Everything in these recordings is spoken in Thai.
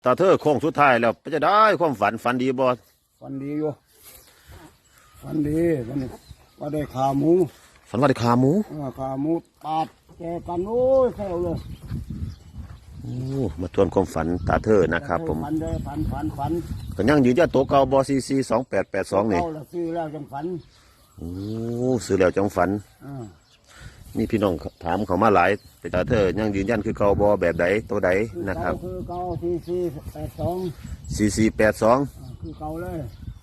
ตาเธอโค้งสุดท้ายแล้วจะได้ความฝันดีบ่ฝันดีอยู่ฝันดีวันนี้ว่าได้ขาหมูฝันว่าได้ขาหมูขาหมูปาดแกกันโอ้ยแค่เลยโอ้มาทวนความฝันตาเธอนะครับผมฝันได้ฝันก็ยังยืนยันโตเก่าบCC 2882นี่ซื้อแล้วจังฝันโอ้ซื้อแล้วจังฝันมีพี่น้องถามเขามาหลายแต่ตาเธอยังยืนยันคือเก่าบแบบใดตัวใดนะครับคือเก่าCC 82 คือเก่าเลย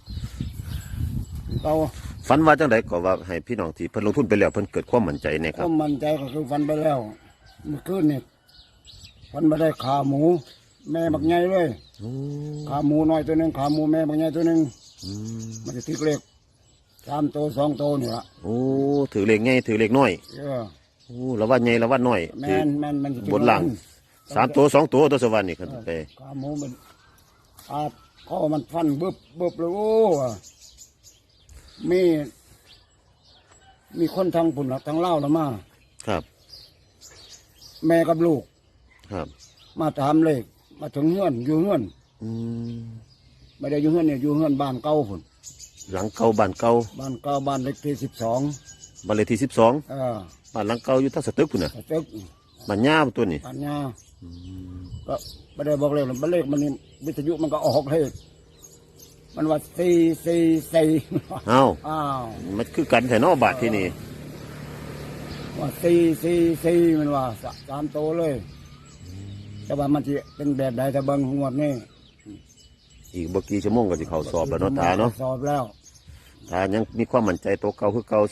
เก่าฝันว่าจังไดก็ว่าให้พี่น้องที่เพิ่นลงทุนไปแล้วเพิ่นเกิดความมั่นใจเนี่ยครับความมั่นใจก็คือฝันไปแล้วเมื่อคืนนี่ฝันมาได้ขาหมูแม่บักใหญ่เลยขาหมูน้อยตัวหนึ่งขาหมูแม่บักใหญ่ตัวหนึ่งมันจะติดเลข3 ตัว 2 ตัวนี่ละโอ้ถือเลขใหญ่ถือเลขน้อยโอ้ละว่าใหญ่ละว่าน้อยแม่นมันบนหลัง3 ตัว 2 ตัวตัวสวรรค์นี่ครับไปขาหมูมันข้อมันฟันบึบเลยโอ้มีคนทางปุ่นทางเล่าแล้วมาครับแม่กับลูกครับมาถามเลขมาถึงเฮือนอยู่เฮือนไม่ได้อยู่เฮือนเนี่ยอยู่เฮือนบ้านเก่าพุ่นหลังเก่าบ้านเก่าบ้านเลขที่12 บ้านเลขที่12บ้านหลังเก่าอยู่ท่าสตึกพุ่นน่ะสตึกบ้านย่าตัวนี้บ้านย่าก็ไม่ได้บอกเลขมันเลขมันนี่วิทยุมันก็ออกเลขมันว่า444 อ้าวมันคือกันแต่นอกบาทที่นี่ว่า444มันว่า3 ตัวเลยแต่ว่ามันจะเป็นแบบใดแต่เบิ่งงวดนี่อีกบ่กี่ชั่วโมงก็สิเข้าสอบแล้วเนาะตาเนาะสอบแล้วตายังมีความมั่นใจตัวเก่าคือเก่า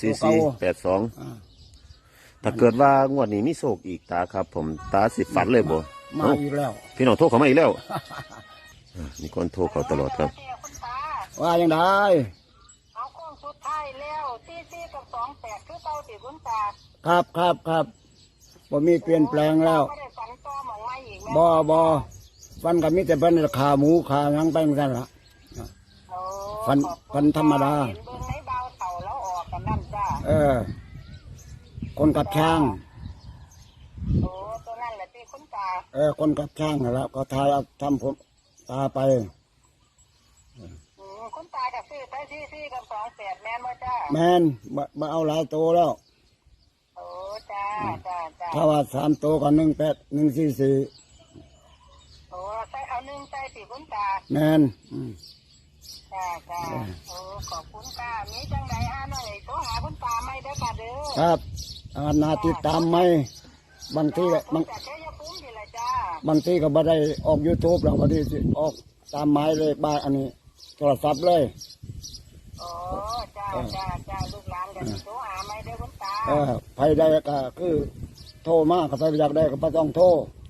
4482ถ้าเกิดว่างวดนี้มีโชคอีกตาครับผมตาสิฝันเลยบ่มาอีกแล้วพี่น้องโทรเข้ามาอีกแล้วมีคนโทรเข้าตลอดครับว่ายังได้เอาโค้งสุดท้ายแล้วCCกับ28คือเก่าติคุณตาครับบ่มีเปลี่ยนแปลงแล้วไม่ได้ฝันต่อหมองไม้อีกแม่บ่ฟันกับมิแต่เป็นขาหมูขาหยังไปเหมือนกันล่ะฟันธรรมดาเห็นเบิ่งในเบาเต่าแล้วออกกันนั่นจ้าคนกับช้างโอ้ตัวนั่นแหละที่คุณตาคนกับช้างแล้วก็ทายเอาทำผมตาไปคุณตาจะซื้อไปCCกับ28แม่นบ่จ้าแม่นมาเอาหลายตัวแล้วโอ้จ้าถ้าว่า3 ตัวก็18144 โอ้ใส่เอา1ใส่สิคุณตาแม่นจ้าโอ้ขอบคุณตามีจังไดหน่อยโทรหาคุณตาไม่ได้ค่ะเด้อครับนาติดตามไหมบางทีบางทีก็บ่ได้ออก YouTube หรอกบางทีออกตามหมายเลขบ้านอันนี้โทรศัพท์เลยโอ้จ้าลูกหลานกันโทรหาไม่ได้คุณตาใครได้ก็คือโทรมากใครอยากได้ก็ไม่ต้องโทร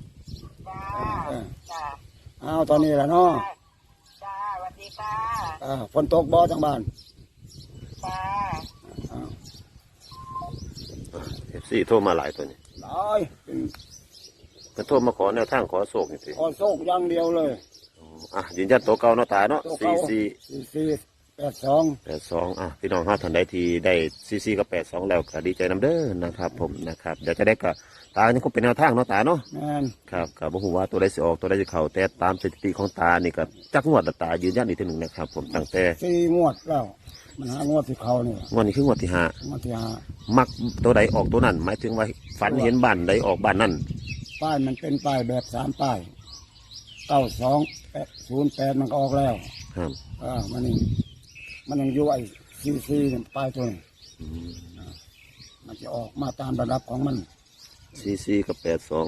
จ้าเอาตอนนี้แหละเนาะจ้าสวัสดีค่ะฝนตกบ่จังบ้านจ้า FC โทรมาหลายตัวนี่หลายก็โทรมาขอแนวทางขอโชคนี่สิขอโชคอย่างเดียวเลยยืนยันตัวเก่าเนาะตาเนาะ 4482 พี่น้องท่านใดที่ได้CCกับ82แล้วก็ดีใจนำเด้อนะครับผมนะครับเดี๋ยวจะได้ก็ตานี่คงเป็นแนวทางเนาะตาเนาะครับก็บ่ฮู้ว่าตัวใดสิออกตัวใดสิเข้าแต่ตามสถิติของตานี่ก็จักงวดตายืนยันอีกทีนึงนะครับผมตั้งแต่ 4 งวดแล้วมัน5 งวดที่เข้านี่งวดนี้คืองวดที่5มักตัวใดออกตัวนั้นหมายถึงว่าฝันเห็นบ้านใดออกบ้านนั้นป้ายมันเป็นป้ายแบบ3 ป้าย9208มันก็ออกแล้วครับมันยังอยู่ไอ้CCเนี่ยป้ายตัวนี้มันจะออกมาตามระดับของมัน CCกับ82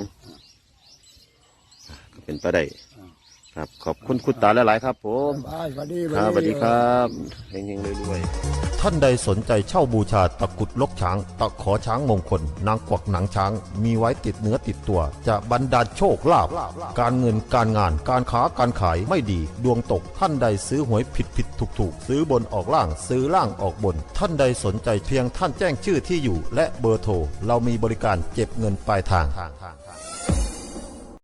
ก็เป็นไปได้ครับขอบคุณคุณตาหลายๆครับผมสวัสดีครับเฮงๆรวยๆท่านใดสนใจเช่าบูชาตะกุดลกช้างตะขอช้างมงคลนางกวักหนังช้างมีไว้ติดเนื้อติดตัวจะบรรดาลโชคลาภการเงินการงานการค้าการขายไม่ดีดวงตกท่านใดซื้อหวยผิดถูกซื้อบนออกล่างซื้อล่างออกบนท่านใดสนใจเพียงท่านแจ้งชื่อที่อยู่และเบอร์โทรเรามีบริการเก็บเงินปลายทาง